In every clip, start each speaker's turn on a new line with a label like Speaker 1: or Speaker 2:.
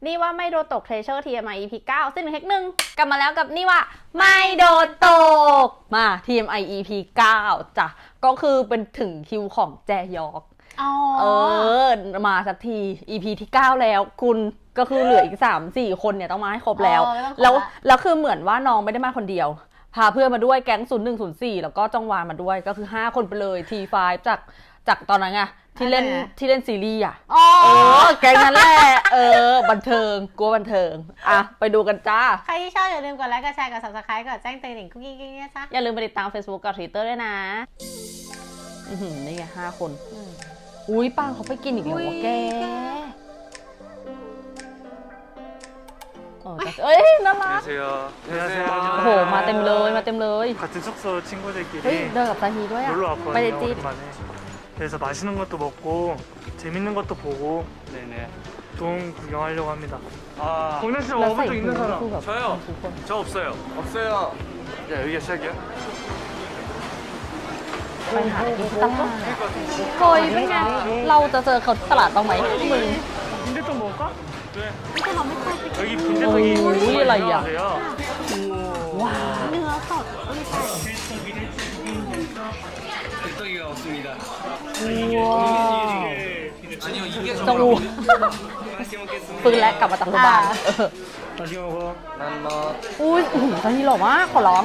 Speaker 1: นี่ว่าไม่โดนตก Treasure TMI EP 9 ซึ่ง1 Hack 1กลับมาแล้วกับนี่ว่าไม่โดนตกมา TMI EP 9จ้ะก็คือเป็นถึงคิวของแจยอกมาสักที EP ที่ 9 แล้วคุณก็คือเหลืออีก 3-4 คนเนี่ยต้องมาให้ครบแล้วคือเหมือนว่าน้องไม่ได้มาคนเดียวพาเพื่อนมาด้วยแก๊ง0104แล้วก็จ้องวานมาด้วยก็คือ5คนไปเลย T5 จากตอนนั้นไงที่เล่นซีรีส์อ่ะแก๊งนั้นแหละบันเทิงกลัวบันเทิงอ่ะไปดูกันจ้า
Speaker 2: ใครที่ชอบอย่าลืมกดไลค์กดแชร์กด Subscribe กดแจ้งเตือนคุกกี้นะจ๊ะ
Speaker 1: อย่าลืมไปติดตาม Facebook กับ Twitter ด้วยนะนี่ไง5 คนอุ้ยป้าเขาไปกินอีกแล้ววะแกเอ้ยน่ารักโอ้โหมาเต็มเลยเฮ้ยเดินกับซาฮีด้วยอ่ะไปเลยจี
Speaker 3: 그래서 맛있는 것도 먹고 재밌는 것도 보고 동 구경하려고 합니다. 공연 씨 와본 적 있는 사람?
Speaker 4: 저요. 저 없어요. 없어요. 야 여기가 시작이야?
Speaker 1: ไปหากินตลาดเฮ้ยเป็นไงเราจะเจอเขาตลาดบ้างไหมมึง
Speaker 3: 빈대떡 먹을까?
Speaker 4: 네.
Speaker 3: 여기 빈대떡이 유명하세요.
Speaker 1: 와.
Speaker 4: 빈대떡이가 없습니다.
Speaker 1: 우와.
Speaker 4: 아니요 이게
Speaker 1: 정우.
Speaker 4: 맛있게 먹겠습니다.
Speaker 1: ฟื้นแล้วกลับมาจากโรงพยาบาล
Speaker 3: 맛있게 먹어.
Speaker 4: 난너
Speaker 1: อุ้ยซาฮีหล่อมากขอร้อง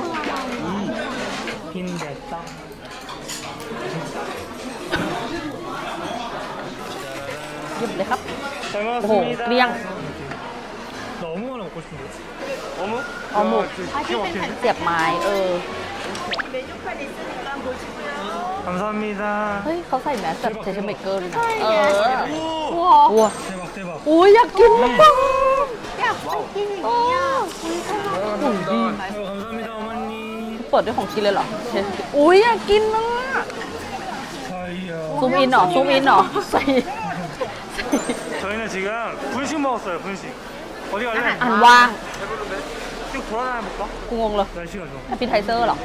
Speaker 3: 빈대떡.
Speaker 1: หยิบเลยครับ
Speaker 3: 잘
Speaker 1: โอ้โห
Speaker 3: 먹었습니다.
Speaker 1: เกลี้ยง
Speaker 3: 나 어묵 하나 먹고 싶은데.
Speaker 4: 어묵?
Speaker 1: เอาหมู
Speaker 3: 기가 막히네.
Speaker 1: เสียบไม้
Speaker 3: 감사합니다.
Speaker 1: เฮ้ยเขาใส่แมสแบบเทชเมเกอร์เลยนะ
Speaker 3: 오.
Speaker 1: วัว
Speaker 3: 대박 대박.
Speaker 1: อุ้ยอยากกินมาก
Speaker 2: อยากกินอย่างนี้อ่ะ
Speaker 3: 감사합니다 어머니.
Speaker 1: เปิดด้วยของกินเลยเหรออุ้ยอยากกินมาก
Speaker 3: 사이야.
Speaker 1: ซูมอินเหรอใส่
Speaker 3: 저희는 지금 분식 먹었어요. 분식. 어디 갈래?
Speaker 1: อันว่าง
Speaker 3: 쭉 돌아다녀 볼까?
Speaker 1: กูงงเลย
Speaker 3: 날씨가 좋아.
Speaker 1: แอปเปิลไทเซอร์เหรอ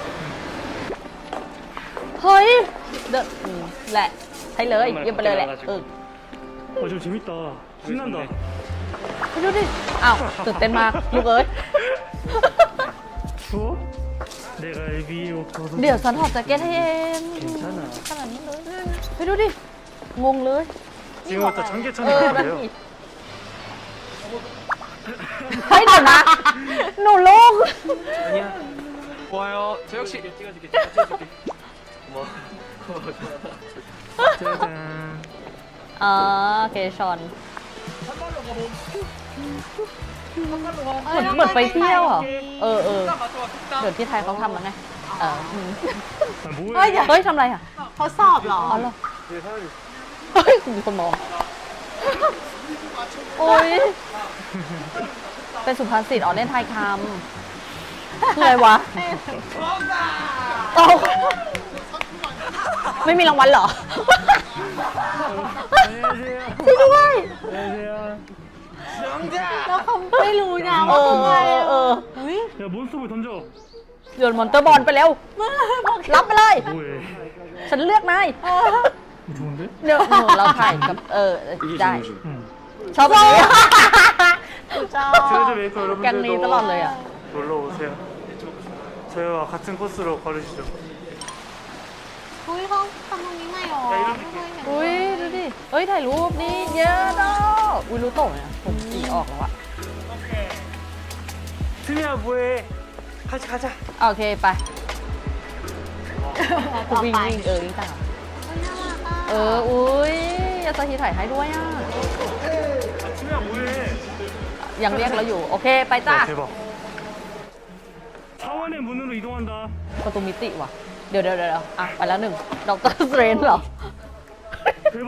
Speaker 1: เฮ้ยแหละใช่เลยเยี่ยมไปเลยแหละ
Speaker 3: 좀 재밌다. 신난다.
Speaker 1: ไปดูดิอ้าวตื่นเต้นมากลูกเอ้ย
Speaker 3: 추워? 내가 애비로 벗어.
Speaker 1: เดี๋ยวฉันถอดแจ็คเก็ตให้เอง
Speaker 3: 괜찮아.
Speaker 1: ขนาดนี้เลยไปดูดิงงเลย
Speaker 3: 지금부터 전개천이
Speaker 1: นั่น
Speaker 3: 돼요.
Speaker 1: สิเฮ้ยเดี๋ยวนะหนูลูก
Speaker 4: 아니야. 좋아요. 저 역시 찍어줄게. 고마워.
Speaker 3: 짜잔.
Speaker 1: อ๋อเกชอนเหมือนไปเที่ยวเหรอเดี๋ยวที่ไทยเขาทำแล้วไง
Speaker 3: 아,
Speaker 1: เฮ้ย
Speaker 3: 뭐해?
Speaker 1: ทำอะไรอ่ะ
Speaker 2: เขาสอบเหรอ
Speaker 1: อ๋อเหรอ
Speaker 4: 네 사람이.
Speaker 1: เฮ้ยมีคนมองโอ้ยเป็นสุภาษิตเล่นไทยคำคืออะไรวะเอาไม่มีรางวัลเหรอ
Speaker 3: 안녕하세요.
Speaker 1: ช่วยด้วย
Speaker 3: 안녕하세요.
Speaker 2: แล้วเขาไม่รู้นะว่าคืออะไรอุ้ย
Speaker 3: 야 몬스터볼 던져.
Speaker 1: โยนมอนเตอร์บอลไปเร็ว รับไปเลย
Speaker 3: 뭐해?
Speaker 1: ฉันเลือกนาย
Speaker 3: 좋은데?
Speaker 1: เดี๋ยวเราถ่ายกับได้
Speaker 3: 응.
Speaker 1: ชอบแบบนี้
Speaker 3: 트레저 메이커
Speaker 1: แกงนี้ตลอดเลย
Speaker 3: 여러분들도
Speaker 1: อ่ะ
Speaker 3: 놀러 오세요. 저희와 같은 코스로 걸으시죠.
Speaker 2: อุ้ยเขาทำตรงนี้ไงหรอ
Speaker 1: อุ้ยดูดิเฮ้ยถ่ายรูปนี่เยอะดอกอุ้ยรู้โต่งเนี่ยผมสีออกแล้วอะ
Speaker 3: 트미야 뭐해? 같이 가자.
Speaker 1: โอเคไปกูวิ่งวิ่งวิ่งตามอุ้ยยาซาฮิถ่ายให้ด้วยอ่ะ
Speaker 3: 트미야 뭐해?
Speaker 1: ยังเรียกเราอยู่โอเคไปจ้า
Speaker 3: 대박. 차원의 문으로 이동한다.
Speaker 1: ประตูมิติว่ะเดี๋ยวอ่ะไปแล้วหนึ่งด็อกเตอร์สเตรนเหรอ
Speaker 3: 대박.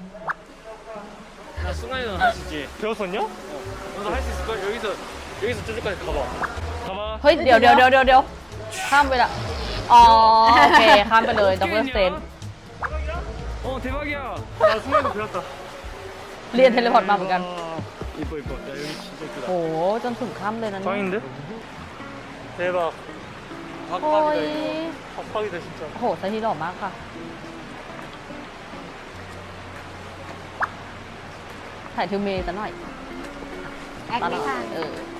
Speaker 4: 나 승환이는 할 수 있지.
Speaker 3: 배웠었냐?
Speaker 4: 너도 할 수 있을 걸. 여기서 저기까지 가봐. 가봐.
Speaker 1: เฮ้ยเดี๋ยวข้ามไปละอ๋อโอเคข้ามไปเลยด็อกเตอร์สเตรน
Speaker 4: 대박이야.
Speaker 3: 나 승환이 배웠다.
Speaker 1: เรียนเทเลพอร์ตมาเหมือนกัน
Speaker 4: 이뻐. 야 여기 진짜 이쁘다.
Speaker 1: โหจนถึงข้ามเลยนะเนี่ย
Speaker 3: 짱인데? 대박.
Speaker 1: โอ้ย
Speaker 3: 박박이다 진짜.
Speaker 1: โหซาฮิหล่อมากค่ะถ่ายทิวเมย์ซะหน่อย
Speaker 2: แอคไม่ทัน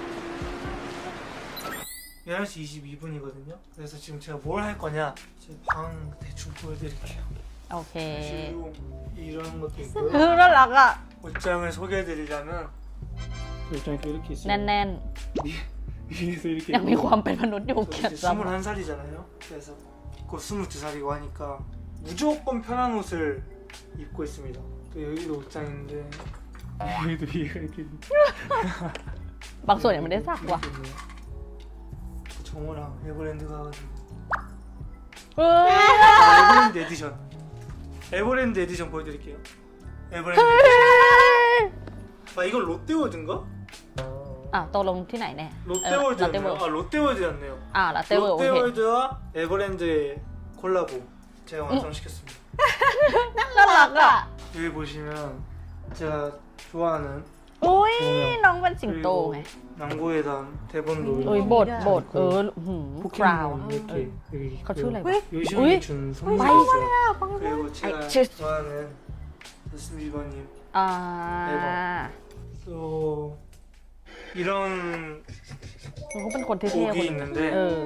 Speaker 3: 11시 22분이거든요. 그래서 지금 제가 뭘 할 거냐? 제 방 대충 보여드릴게요.
Speaker 1: โอเค
Speaker 3: 지금 이런 것도
Speaker 1: คือ
Speaker 3: 있고요.
Speaker 1: น่ารักอ่ะ
Speaker 3: 옷장을 소개해드리려면 옷장이 이렇게 있어요.
Speaker 1: แน่น
Speaker 3: 위에서 이렇게
Speaker 1: ๆ ยังมีความเป็นมนุษย์อยู่
Speaker 3: 저
Speaker 1: เขียน
Speaker 3: 이제
Speaker 1: ซ้ำ
Speaker 3: 21살이잖아요. 그래서 곧 22살이고 하니까 무조건 편한 옷을 입고 있습니다. 또 여기도 옷장인데 여기도 위에가 이렇게
Speaker 1: บางส่วนยังไม่ได้ซักว่ะ
Speaker 3: 이렇게 있네요. 정우랑 에버랜드 가가지고
Speaker 1: เฮ้ย
Speaker 3: 에버랜드 에디션 에버랜드 에디션 보여드릴게요. 에버랜드 에디션. 아 이건 롯데월드인가?
Speaker 1: อ่ะตกลงที่ไหนแน่
Speaker 3: 롯데월드였네요. 아 롯데월드였네요.
Speaker 1: อ่ะลาเต้เวิร์โอเค
Speaker 3: 롯데월드와 에버랜드의 콜라보 제가 완성시켰습니다.
Speaker 1: น่ารักอ่ะ
Speaker 3: 여기 보시면 제가 좋아하는
Speaker 1: อุ้ยน้องเป็นสิงโตไง
Speaker 3: 낭보에 단 대본도
Speaker 1: อุ้ยบทคราว
Speaker 3: 포켓몬 이렇게 여기
Speaker 1: เขาชื่ออะไร
Speaker 3: 있고요.
Speaker 1: วะ
Speaker 3: 요시형이 준 선물이
Speaker 1: 왜?
Speaker 3: 있어요. 그리고 제가
Speaker 1: 아이, 저-
Speaker 3: 좋아하는 저스틴 비버님
Speaker 1: อ่า
Speaker 3: 또 이런
Speaker 1: เขาเป็นคนเท่ๆคน
Speaker 3: 곡이
Speaker 1: หนึง
Speaker 3: 있는데
Speaker 1: เออ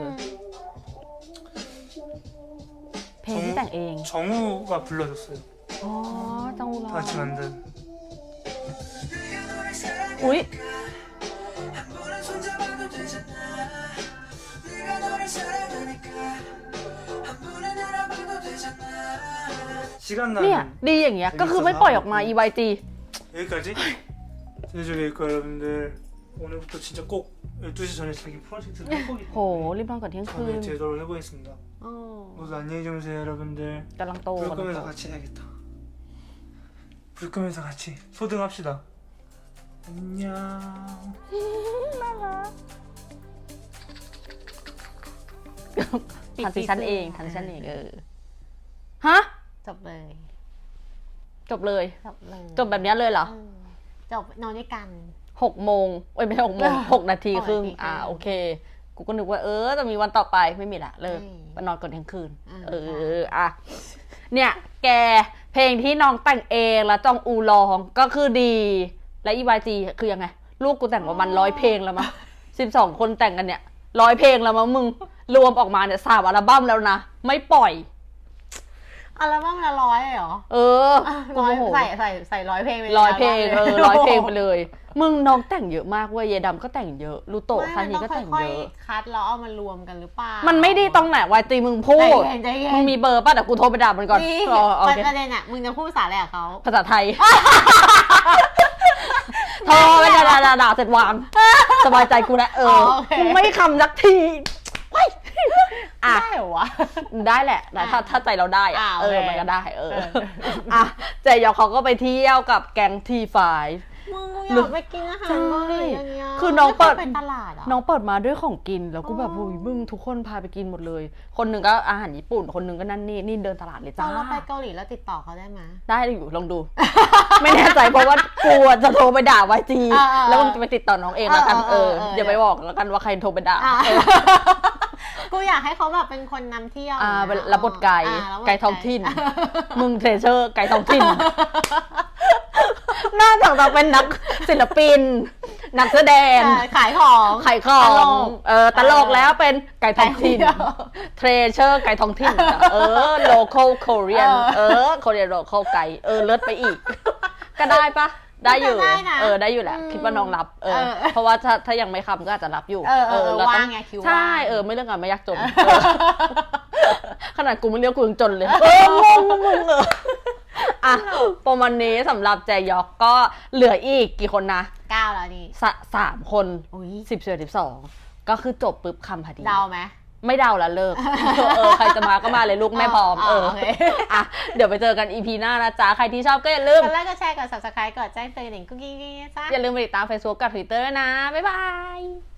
Speaker 1: เพลงที่แต่งเอง
Speaker 3: 정우가 불러줬어요.
Speaker 1: อ๋อจังหูร้อ
Speaker 3: 다 같이 만든
Speaker 1: อุ้ย
Speaker 3: 시간
Speaker 1: เนี่ย
Speaker 3: 나면
Speaker 1: ดีอย่างเงี้ย ก็คือไม่ปล่อยออกมา EYG
Speaker 3: 여기까지 제주교육과 여러분들 오늘부터 진짜 꼭 12시 전에 자기 프로젝트를 할 거기
Speaker 1: โห รีบนอนก่อนเที่ยงคืน
Speaker 3: 저는 제대로 해보겠습니다.
Speaker 2: อ๋อ
Speaker 3: 모두 안녕히 주무세요 여러분들.
Speaker 1: กำลังโต
Speaker 3: 불
Speaker 1: กำลัง
Speaker 3: 끄면서
Speaker 1: โต
Speaker 3: 같이 해야겠다. 불 끄면서 같이 소등합시다. 안녕.
Speaker 1: ทันซีซั่นเองทันซีซั่นเองฮะ
Speaker 2: จบเลย
Speaker 1: จบเลย
Speaker 2: จบเลย
Speaker 1: จบแบบเนี้ยเลยเหรอ
Speaker 2: จบนอนด้วยกัน
Speaker 1: 6 โมงเอ้ยไม่ใช่6 โมง 6 นาทีครึ่ง
Speaker 2: 6 นาทีครึ่ง
Speaker 1: โอเค กูก็นึกว่าจะมีวันต่อไปไม่มีละเลิก
Speaker 2: ไม่มี
Speaker 1: ไปนอนก่อนเที่ยงคืน
Speaker 2: อ่า
Speaker 1: เนี่ย แกเพลงที่น้องแต่งเองแล้วจองอูร้องก็คือดี และอีวายจีคือยังไง ลูกกูแต่งประมาณ100 เพลงแล้วมั้ง12 คนแต่งกันเนี่ย100 เพลงแล้วมั้งมึง รวมออกมาเนี่ย3 อัลบั้มแล้วนะ ไม่ปล่อย
Speaker 2: อัลบั้มละ100เหรอ
Speaker 1: กู
Speaker 2: ร้อย
Speaker 1: โมโห
Speaker 2: ใส่100 เพลงไป
Speaker 1: 100 เพลง
Speaker 2: อับั้ม
Speaker 1: 100 เพลงไปเลย มึงน้องแต่งเยอะมากเว้ยเยดำก็แต่งเยอะลูโตะซานีก็แต่งเยอะ
Speaker 2: ๆคัดแล้วเอามารวมกันหรือเปล่า
Speaker 1: มั
Speaker 2: มัน
Speaker 1: ไม่ดีตรงไหนวายตีมึงพูด
Speaker 2: ใจเย็น
Speaker 1: มึงมีเบอร์ป่ะเดี๋ยวกูโทรไปด่ามันก่อน
Speaker 2: นี่
Speaker 1: โอเค
Speaker 2: ประเด็นอ่ะมึงจะพูดภาษาอะไรกับเขา
Speaker 1: ภาษาไทย โทรไปด่าเสร็จวาง สบายใจกูแล้ว
Speaker 2: โอเค
Speaker 1: มึงไม่คำสักทีว้ายอ่ะ
Speaker 2: ได้เหรอวะ
Speaker 1: ได้แหละนะถ้าใจเราได้อะ
Speaker 2: โอเค
Speaker 1: มันก็ได้อ่ะเจยองเขาก็ไปเที่ยวกับแก๊งทีไฟ
Speaker 2: มึงอยากไปกินอาหารเกาหลีอย่างเงี้ย
Speaker 1: คือน้องเปิด
Speaker 2: ไม่คยไปตลาดอ่ะ
Speaker 1: น้องเปิดมาด้วยของกินแล้วกูแบบโอ้ยมึงทุกคนพาไปกินหมดเลย คนหนึ่งก็อาหารญี่ปุ่นคนหนึ่งก็นั่นนี่เดินตลาดเลย
Speaker 2: ต
Speaker 1: จ้า
Speaker 2: อนเราไปเกาหลีแล้วติดต่อเขาได้ไหม
Speaker 1: ได้อยู่ลองดู ไม่แน่ใจเพราะว่ากูจะโทรไปด่าวายจี แล้วมึงจะไปติดต่อน้องเองแล้วกันอย่าไปบอกแล้วกันว่าใครโทรไปด่า
Speaker 2: กูอยากให้เขาแบบเป็นคนนำเที่ยวนะ
Speaker 1: เป็นรับบทไก่
Speaker 2: รับบท
Speaker 1: ไก่ท้องถิ่น มึงเทรเชอร์ไก่ท้องถิ่น น่าจะเป็นนักศิลปิน นักแสดง
Speaker 2: ขายของ
Speaker 1: ขายของ
Speaker 2: ตลก
Speaker 1: ตลกแล้วเป็นไก่ท้องถิ่น
Speaker 2: ไก่เที่ยว
Speaker 1: เทรเชอร์ไก่ท้องถิ่น local Korean Korean local ไก่เลิศไปอีก ก็ได้ปะได้อยู่
Speaker 2: ได้นะ
Speaker 1: ได้อยู่แหละคิดว่าน้องรับเพราะว่าถ้ายังไม่คำก็อาจจะรับอยู่เร
Speaker 2: ว่า
Speaker 1: ต้
Speaker 2: งไงคิว
Speaker 1: ใช่
Speaker 2: ว่าง
Speaker 1: ไม่เรื่องงานไม่ยากจนขนาดกูไม่เรียกกูยังจนเลยงงมึงอ่ะประมาณนี้สำหรับแจยอกก็เหลืออีกกี่คนนะ
Speaker 2: 9แล้วนี่
Speaker 1: 3 คน
Speaker 2: อุ้ย
Speaker 1: 12ก็คือจบปุ๊บคำพอดี
Speaker 2: เดาไหม
Speaker 1: ไม่เดาแล้วเลิก ใครจะมาก็มาเลยลูกแม่พร้อม
Speaker 2: โอเค
Speaker 1: อ่ะเดี๋ยวไปเจอกัน EP หน้านะจ๊ะ ใครที่ชอบก็อย่าลืม
Speaker 2: กดไลค์กดแชร์กด subscribe กดแจ้งเตือนหนิงกุ๊กกิ๊กๆจ้า
Speaker 1: อย่าลืมไปติดตาม Facebook กับ Twitter ด้วยนะ บ๊ายบาย